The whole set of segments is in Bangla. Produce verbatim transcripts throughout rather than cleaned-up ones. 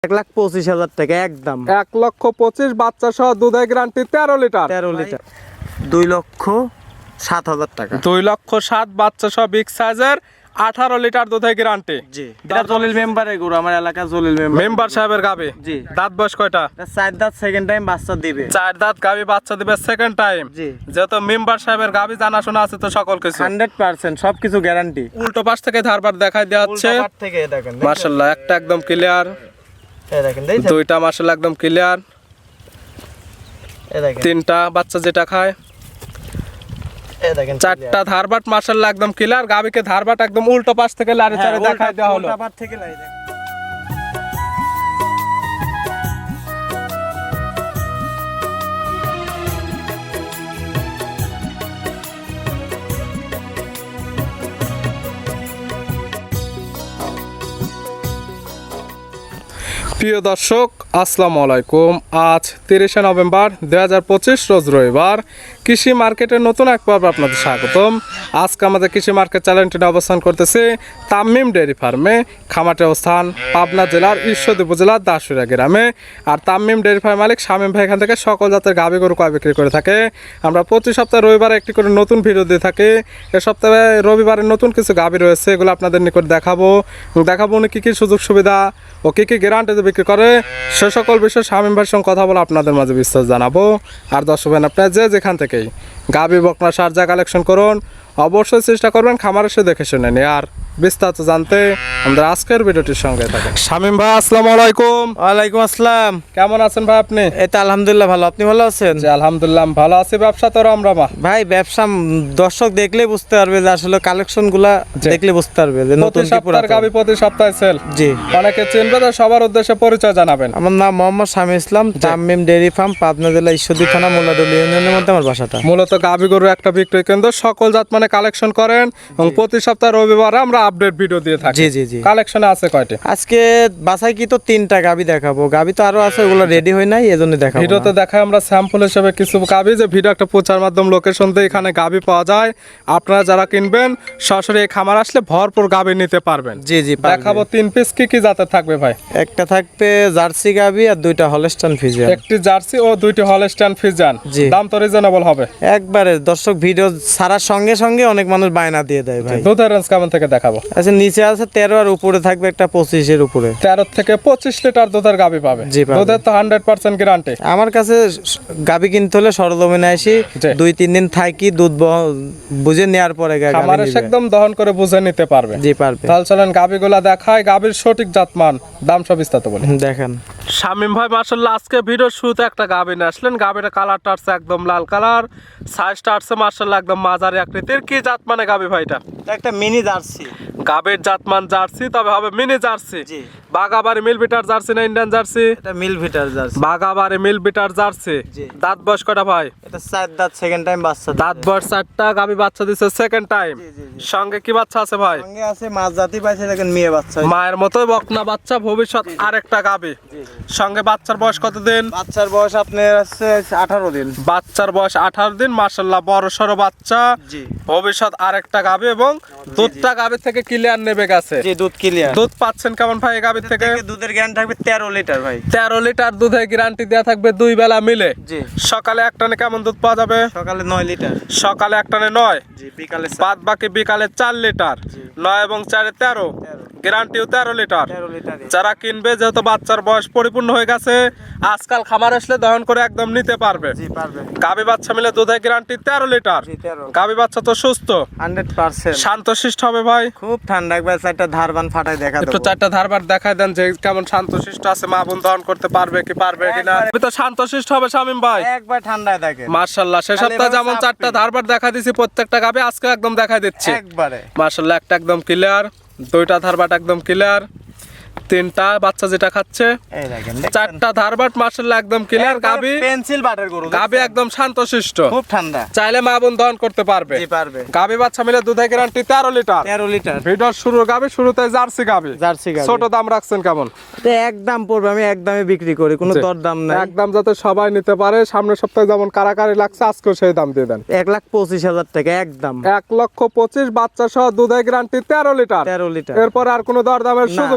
এক লাখ পঁচিশ হাজার টাকা একদম। এক লক্ষ পঁচিশ বাচ্চা সহ দুধের গ্যারান্টি তেরো লিটার। তেরো লিটার দুই লক্ষ সাত হাজার টাকা। দুই লক্ষ সাত বাচ্চা সহ বিগ সাইজের আঠারো লিটার দুধের গ্যারান্টি। জি, এটা জলিল মেম্বারের গরু, আমার এলাকা জলিল মেম্বার মেম্বার সাহেবের গাবি। জি। দাঁত বয়স কয়টা? চার দাঁত, সেকেন্ড টাইম বাচ্চা দিবে। চার দাঁত গাবি বাচ্চা দিবে সেকেন্ড টাইম। জি। যেহেতু মেম্বার সাহেবের গাবি জানাশোনা আছে তো সকল কিছু হান্ড্রেড পার্সেন্ট সবকিছু গ্যারান্টি। উল্টো পাশ থেকে ধারবার দেখাই দেওয়া হচ্ছে। থেকে দেখেন মাশাআল্লাহ, একটা একদম ক্লিয়ার, এই দেখেন দেখেন দুইটা মাশাআল্লাহ একদম ক্লিয়ার, এই দেখেন তিনটা বাচ্চা যেটা খায়, এই দেখেন চারটা ধারবাট মাশাআল্লাহ একদম ক্লিয়ার। গাবিকে ধারবাট একদম উল্টো পাশ থেকে লারে চারে দেখাই দেওয়া হলো। উল্টা পাশ থেকে লাই দেখেন। প্রিয় দর্শক আসসালামু আলাইকুম। আজ তিরিশে নভেম্বর দুই হাজার পঁচিশ রোজ রবিবার। কৃষি মার্কেটের নতুন এক পর্ব আপনাদের স্বাগতম। আজকে আমাদের কৃষি মার্কেট চ্যানেলটি অবস্থান করতেছে তামিম ডেয়ারি ফার্মে। খামারটি অবস্থান পাবনা জেলার ঈশ্বরদী উপজেলার দাসুরিয়া গ্রামে। আর তামিম ডেয়ারি ফার্ম মালিক শামীম ভাই এখান থেকে সকল জাতের গাভী গরু ক্রয় বিক্রি করে থাকে। আমরা প্রতি সপ্তাহে রবিবারে একটি করে নতুন ভিডিও দিয়ে থাকি। এ সপ্তাহে রবিবারে নতুন কিছু গাভী রয়েছে, এগুলো আপনাদের নিকট দেখাবো দেখাবো উনি কী কী সুযোগ সুবিধা ও কী কী গ্যারান্টিতে বিক্রি করে সে সকল বিষয়ে শামীম ভাইয়ের সঙ্গে কথা বলে আপনাদের মাঝে বিস্তার জানাবো। আর দর্শক ভাই, আপনারা যে যেখান থেকেই গাভী বকনা সার যা কালেকশন করুন অবশ্যই চেষ্টা করবেন খামার এসে দেখে শুনে নিয়ে। আর বিস্তারিত জানতে আমাদের আজকের ভিডিওটির সঙ্গে থাকেন। শামীম ভাই আসসালামু আলাইকুম। ওয়ালাইকুম আসসালাম। কেমন আছেন ভাই আপনি? এই তো আলহামদুলিল্লাহ ভালো, আপনি ভালো আছেন? জি আলহামদুলিল্লাহ ভালো আছি। ব্যবসা তো রমরমা ভাই, ব্যবসা দর্শক দেখলে বুঝতে পারবে যে আসলে কালেকশন গুলা দেখলে বুঝতে পারবে যে নতুন প্রতি কি সপ্তাহের পুরাতন। গাভী প্রতি সপ্তাহে সেল। জি, অনেকে চিনবে তো, সবার উদ্দেশ্যে পরিচয় জানাবেন। আমার নাম মোহাম্মদ শামীম ইসলাম, তামিম ডেয়ারি ফার্ম, পাবনা জেলা ঈশ্বরদী থানা মোল্লাদুল ইউনিয়নের মধ্যে আমার বাসাটা। মূলত গাভী গরু একটা বিক্রয় কেন্দ্র, সকল জাত মানে কালেকশন করেন এবং প্রতি সপ্তাহে রবিবারে আমরা আপডেট ভিডিও দিয়ে থাকি। জি জি জি। কালেকশনে আছে কয়টি? আজকে বাসায় কি তো তিনটা গাভী দেখাবো, গাভী তো আরো আছে, ওগুলো রেডি হয় নাই, এজন্য দেখাবো। ভিডিওতে দেখায় আমরা স্যাম্পল হিসেবে কিছু গাভী, যে ভিডিও একটা প্রচার মাধ্যম লোকেশন দিয়ে এখানে গাভী পাওয়া যায়। আপনারা যারা কিনবেন সরাসরি এই খামার আসলে ভরপুর গাভী নিতে পারবেন। জি জি, দেখাবো তিন পিস কি কি জাতের থাকবে ভাই? একটা থাকবে জার্সি গাভী আর দুইটা হলস্টাইন ফ্রিজিয়ান। একটি জার্সি ও দুইটি হলস্টাইন ফ্রিজিয়ান। জি। দাম তো রিজনেবল হবে একবারে দর্শক ভিডিও ছাড়ার সঙ্গে সঙ্গে অনেক মানুষ বায়না দিয়ে দেয় ভাই। দুধের রেঞ্জ কেমন থেকে দেখাবো? আচ্ছা, নিচে আছে তেরো আর উপরে থাকবে একটা পঁচিশের উপরে। তেরো থেকে পঁচিশ লিটার দুধের গাভী পাবে। জি, পাবে। দুধের তো হান্ড্রেড পার্সেন্ট গ্যারান্টি। আমার কাছে গাভী কিনতে হলে সরজমিনে আসি, জি। দুই তিন দিন থাকি, দুধ বহ- বুঝে নেওয়ার পরে গা- গাভী খামারে নিবে। একদম দহন করে বুঝে নিতে পারবে। জি পারবে। তাহলে চলেন গাভীগুলা দেখায়, গাভীর সঠিক জাতমান দাম সব বিস্তারিত বলি। দেখেন শামীম ভাই মাশাআল্লাহ আজকে ভিডিওর শুরুতে একটা গাভী নিয়ে আসলেন। গাভীর কালারটা আছে একদম লাল কালার, সাইজটা আছে মাশাআল্লাহ একদম মাঝারি আকৃতির। কি জাত মানে গাভী ভাইটা? একটা মিনি জার্সি। গাভীর জাতমান জার্সি, তবে হবে মিনি জার্সি। জি। বাগাবাড়ি মিল বিটার জার্সি না ইন্ডিয়ান জার্সি? এটা মিল ভিটার জার্সি। বাগাবাড়ি মিল বিটার জার্সি। জি। দাঁত বয়স কয়টা ভাই? এটা চার দাঁত, সেকেন্ড টাইম বাচ্চা। দাঁত বয়স চারটা, গাভী বাচ্চা দিচ্ছে সেকেন্ড টাইম। জি, জি, জি। সঙ্গে কি বাচ্চা আছে ভাই? সঙ্গে আছে মাছ জাতি পাইছে, দেখেন মেয়ে বাচ্চা। মায়ের মতোই বকনা বাচ্চা, ভবিষ্যৎ আরেকটা গাভী। সঙ্গে বাচ্চার বয়স কতদিন? বাচ্চার বয়স আপনার আছে আঠারো দিন। বাচ্চার বয়স আঠারো দিন, মাশাআল্লাহ বড় সড়ো বাচ্চা। জি। ভবিষ্যৎ আরেকটা গাভী এবং দুধটা গাভীর থেকে ক্লিয়ার নেবে গেছে। জি, দুধ ক্লিয়ার। দুধ পাচ্ছেন কেমন ভাই এই গাভীর থেকে? দুধের গ্যারান্টি থাকবে তেরো লিটার ভাই। তেরো লিটার দুধের গ্যারান্টি দেওয়া থাকবে দুই বেলা মিলে। জি। সকালে এক টানে কেমন দুধ পাওয়া যাবে? সকালে নয় লিটার। সকালে এক টানে নয়, জি, বিকালে বাদ বাকি বিকালে চার লিটার। নয় এবং চারে তেরো, গ্যারান্টিও তেরো লিটার। তেরো লিটার। যারা কিনবে, যেহেতু বাচ্চার বয়স পরিপূর্ণ হয়ে গেছে, আজকাল খামার আসলে দহন করে একদম নিতে পারবে। জি পারবে। গাভী বাচ্চা মিলে দুধের গ্যারান্টি তেরো লিটার। জি, তেরো। গাভী বাচ্চা তো সুস্থ, হান্ড্রেড পার্সেন্ট। শান্তশিষ্ট হবে ভাই। খুব ঠান্ডা, একবার চারটা ধারবান ফাটাই দেখা একটু দেবো। চারটা ধারবার দেখায় দেন যে কেমন শান্তশিষ্ট আছে, মা বোন দহন করতে পারবে কি পারবে কিনা। একবারে। তো শান্তশিষ্ট হবে শামীম ভাই। একবার ঠান্ডায় থাকে মাশাআল্লাহ, সে খালি সপ্তাহে এভাবে যেমন চাপ চারটা দিবে। ধারবার দেখা দিছি প্রত্যেকটা গাভী আজকে একদম দেখাই দিচ্ছি। একবারে। মাশাআল্লাহ, একটা একদম ক্লিয়ার, দুইটা ধারবাট একদম ক্লিয়ার, তিনটা বাচ্চা যেটা খাচ্ছে, এই দেখেন চারটা ধারবাট মাশাআল্লাহ একদম ক্লিয়ার। গাভী পেন্সিল বাটার গরু, গাভী একদম শান্তশিষ্ট, খুব ঠান্ডা। চাইলে মা বোন দহন করতে পারবে। জি পারবে। গাভী বাচ্চা মিলে দুধের গ্যারান্টি তেরো লিটার। তেরো লিটার। ভিডিওর শুরু গাভী, শুরুতে জার্সি গাভী। জার্সি গাভী। ছোট দাম রাখছেন কেমন? এটা একদম পড়বে, আমি একদমে বিক্রি করি, কোনো জি। দর দাম নাই। একদম যাতে সবাই নিতে পারে। সামনের সপ্তাহে যেমন কারাকারি লাগছে, আজকেও সেই দাম দিয়ে দেন। এক লাখ পঁচিশ হাজার টাকা একদম। এক লক্ষ পঁচিশ বাচ্চা সহ দুধের গ্যারান্টি তেরো লিটার। তেরো লিটার। এরপর আর কোনো দরদামের সুযোগ নেই। দর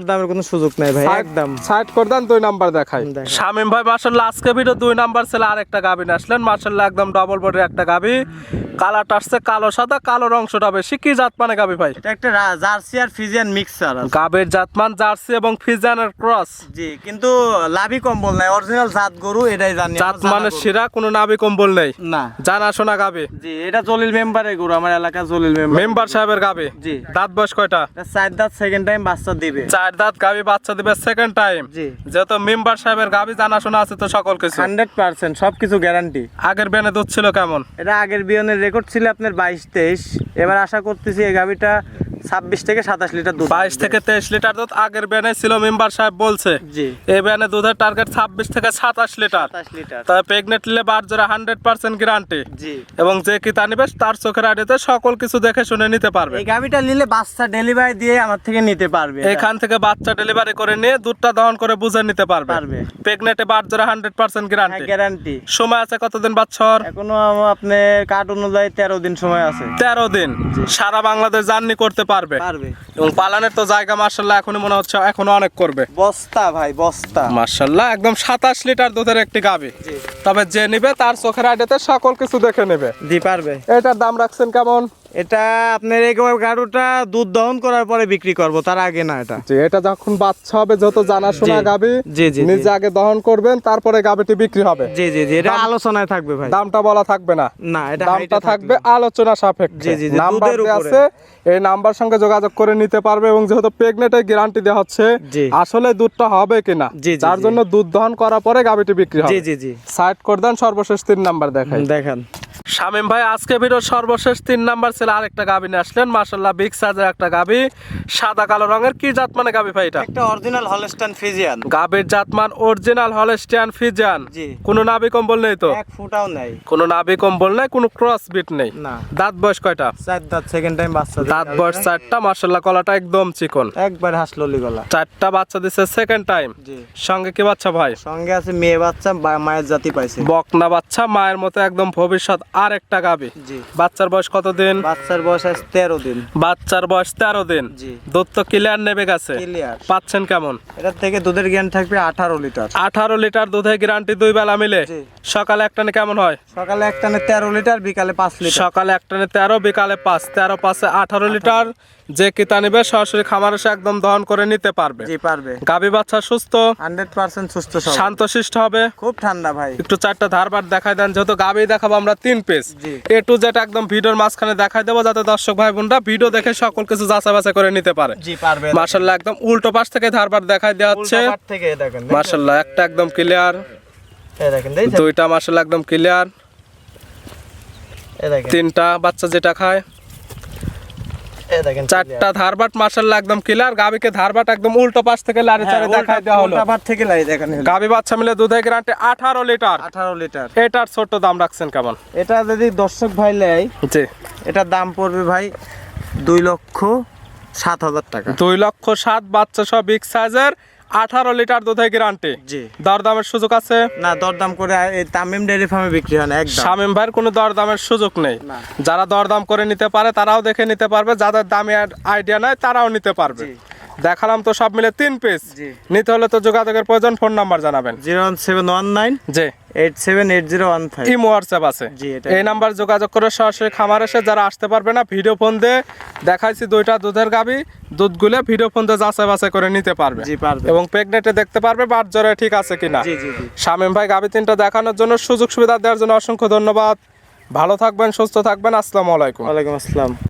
দরদামের কোনো সুযোগ নাই ভাই, একদম সাইড করে দেন, দুই নাম্বার দেখাই। দেখান। শামিম ভাই মাশাআল্লাহ আজকে ভিডিও দুই নাম্বার ছেলে আরেকটা গাবি নিয়ে আসলেন, মাশাআল্লাহ একদম ডাবল বডির একটা গাবি, কালারটা আসছে কালো সাদা, কালোর অংশটা বেশি। কি জাত মানে গাবি ভাই? এটা একটা রা- জার্সি আর ফিজিয়ান মিক্সার আছে। গাবির জাতমান জার্সি এবং ফিজিয়ানের ক্রস। জি, কিন্তু লাভি কম্বল নাই, অরিজিনাল জাত গরু, এটাই জানি। আমার জাত জানা মানে গরু। শিরা, কোনো নাভি কম্বল নেই, না। জানা শোনা গাবি। জি, এটা জলিল মেম্বারের গরু, আমার এলাকা জলিল মেম্বার। মেম্বার সাহেবের গাবি। জি। দাঁত বয়স কয়টা? এটা চার দাঁত, সেকেন্ড টাইম বাচ্চা দিবে। চার দাঁত গাবি, বাচ্চা দিবে সেকেন্ড টাইম। জি। যেহেতু মেম্বার সাহেবের গাবি, জানা শোনা আছে তো সকল কিছু। হান্ড্রেড পার্সেন্ট সবকিছু গ্যারান্টি। আগের বেনে দুধ ছিল কেমন? এটা আগের বিয়নের রেকর্ড ছিল আপনার বাইশ তেইশ, এবার আশা করতেছি এই গাভিটা ছাব্বিশ থেকে সাতাশ লিটার দুধ। বাইশ থেকে তেইশ লিটার দুধ আগের বেনে ছিল, মেম্বার সাহেব বলছে। জি। এই বেনে দুধের টার্গেট ছাব্বিশ থেকে সাতাশ লিটার। সাতাশ লিটার। তবে প্রেগনেন্ট নিলে বার জোড়া হান্ড্রেড পার্সেন্ট গ্যারান্টি। জি। এবং যে কি তা নিবে তার চোখের আড়িতে সকল কিছু দেখে শুনে নিতে পারবে। এই গাভিটা নিলে বাচ্চা ডেলিভারি দিয়ে আমার থেকে নিতে পারবে। এখান থেকে বাচ্চা ডেলিভারি করে নিয়ে দুধটা দহন করে বুঝে নিতে পারবে। পারবে। প্রেগনেন্টে বার জোড়া হান্ড্রেড পার্সেন্ট গ্যারান্টি। গ্যারান্টি। সময় আছে কতদিন বাচ্চার? এখনো আম- আপনার কার্ড অনুযায়ী তেরো দিন সময় আছে। তেরো দিন সারা বাংলাদেশ জার্নি করতে পারবে। পারবে। এবং পালানের তো জায়গা মার্শাল্লাহ এখনই মনে হচ্ছে এখনো অনেক করবে। বস্তা ভাই, বস্তা। মার্শাল্লাহ একদম সাতাশ লিটার দুধের একটি গাভী। জি। তবে যে নিবে তার চোখের আইডিতে সকল কিছু দেখে নেবে। জি, পারবে। এটার দাম রাখছেন কেমন? এটা আপনার এই গাড়ুটা দুধ দহন করার পরে বিক্রি করব, তার আগে না। এটা জি, এটা যখন বাচ্চা হবে যত জানাশোনা জি। গাভী, জি, জি, জি। নিজে আগে দহন করবেন, তারপরে গাভীটি বিক্রি হবে। জি জি জি, এটা দাম- আলোচনায় থাকবে ভাই। দামটা বলা থাকবে না, না, এটা দামটা হাইটে থাকবে আলোচনা সাপেক্ষে। জি, জি, জি, নাম্বার দুধের দেওয়া উপরে। আছে, এই নাম্বার সঙ্গে যোগাযোগ করে নিতে পারবে। এবং যেহেতু প্রেগনেন্টের গ্যারান্টি দেওয়া হচ্ছে, জি। আসলে দুধটা হবে কিনা, জি, জি, তার জি। জন্য দুধ দহন করার পরে গাভীটি বিক্রি হবে। জি জি জি, সাইড করে দেন, সর্বশেষ তিন নাম্বার দেখাই। দেখান। শামিম ভাই আজকে ভিডিওর সর্বশেষ তিন নাম্বার ছিল আরেকটা গাভী নিয়ে আসলেন, মাশাআল্লাহ বিগ সাইজের একটা গাভী, সাদা কালো রঙের। কি জাত মানে গাভী ভাই এটা? একটা অরিজিনাল হলস্টাইন ফ্রিজিয়ান। গাভীর জাতমান অরিজিনাল হলস্টিয়ান ফ্রিজিয়ান। জি। কোনো নাভি কম্বল নেই তো? এক ফুটাও নাই। কোনো নাভি কম্বল নেই, কোনো ক্রস বিট নেই। না। দাঁত বয়স কয়টা? চার দাঁত, সেকেন্ড টাইম বাচ্চা দিবে। দাঁত বয়স চারটা, মাশাআল্লাহ কলাটা একদম চিকন। একবার হাসললি গলা। চারটা বাচ্চা দিছে সেকেন্ড টাইম। জি। সঙ্গে কি বাচ্চা ভাই? সঙ্গে আছে মেয়ে বাচ্চা, বা- মায়ের জাতি পাইছে। বকনা বাচ্চা, মায়ের মতো একদম ভবিষ্যৎ আর একটা গাভী। জি। বাচ্চার বয়স কত দিন? বাচ্চার বয়স আছে তেরো দিন। বাচ্চার বয়স তেরো দিন। জি। দুধ তো ক্লিয়ার নেবে গেছে। ক্লিয়ার। পাচ্ছেন কেমন? এটার থেকে দুধের জ্ঞান থাকবে আঠারো লিটার। আঠারো লিটার দুধে গ্যারান্টি দুই বেলা মিলে। জি। সকালে একটানে কেমন হয়? সকালে একটানে তেরো লিটার, বিকালে পাঁচ লিটার। সকালে একটানে তেরো, বিকালে পাঁচ, তেরো পাঁচে আঠারো লিটার। যে কিতা নিবে সরাসরি খামার এসে একদম দহন করে নিতে পারবে। জি, পারবে। গাভী বাচ্চা সুস্থ, হান্ড্রেড পার্সেন্ট সুস্থ সব। শান্তশিষ্ট হবে। খুব ঠান্ডা ভাই। একটু চারটা ধারবার দেখাই দেন, যেহেতু গাভী দেখাবো আমরা তিন পিস। জি। এ টু জেড একদম ভিডিওর মাঝখানে দেখাই দেবো, যাতে দর্শক ভাই বোনরা ভিডিও দেখে সকল কিছু যাচাই বাছাই করে নিতে পারে। জি, পারবে। মাশাআল্লাহ একদম উল্টো পাশ থেকে ধারবার দেখাই দেওয়া হচ্ছে। উল্টা পাট থেকে এই দেখেন। মাশাআল্লাহ একটা একদম ক্লিয়ার, এই দেখেন, দেখছেন? দুইটা মাশাআল্লাহ একদম ক্লিয়ার, এই দেখেন। তিনটা বাচ্চা যেটা খায়, এই দেখেন। চারটা ধারবাট মাশাআল্লাহ একদম ক্লিয়ার। গাভীকে ধারবাট একদম উল্টো পাশ থেকে লারি হ্যাঁ, চারে দেখাই উল্টা- দেওয়া হলো। উল্টা পাট থেকে লাই দেখেন। গাভী বাচ্চা মিলে দুধের গ্যারান্টি আঠারো লিটার। আঠারো লিটার। এটার ছোট দাম রাখছেন কেমন? এটা যদি দর্শক ভাই নেয়, জি, এটার দাম পড়বে ভাই দুই লক্ষ সাত হাজার টাকা। দুই লক্ষ সাত, বাচ্চা সহ বিগ সাইজের, আঠারো লিটার দুধের গ্যারান্টি। জি। দরদামের সুযোগ আছে? না, দরদাম করে এই তামিম ডেয়ারি ফার্মে বিক্রি হয় না একদম। শামিম ভাইয়ের কোনো দরদামের সুযোগ নেই। না। যারা দরদাম করে নিতে পারে তারাও দেখে নিতে পারবে, যাদের দামি আইডিয়া নাই তারাও নিতে পারবে। জি। দেখালাম তো সব মিলে তিন পিস। জি। নিতে হলে তো যোগাযোগের প্রয়োজন, ফোন নাম্বার জানাবেন। Zero one seven one nine জি, eight seven eight zero one five. Imo WhatsApp আছে। জি, এটা- এই নাম্বার যোগাযোগ করে সরাসরি খামার এসে যারা আসতে পারবে না, ভিডিও ফোন দিয়ে দেখাইছি দুইটা দুধের গাভী, দুধগুলো ভিডিও ফোন দিয়ে যাচাই বাছাই করে নিতে পারবে। জি, পারবে। এবং প্রেগনেন্টে দেখতে পারবে বাট জ্বরে ঠিক আছে কিনা। জি জি জি। শামিম ভাই গাভী তিনটা দেখানোর জন্য, সুযোগ সুবিধা দেওয়ার জন্য অসংখ্য ধন্যবাদ। ভালো থাকবেন, সুস্থ থাকবেন। আসসালামু আলাইকুম। ওয়ালাইকুম আসসালাম।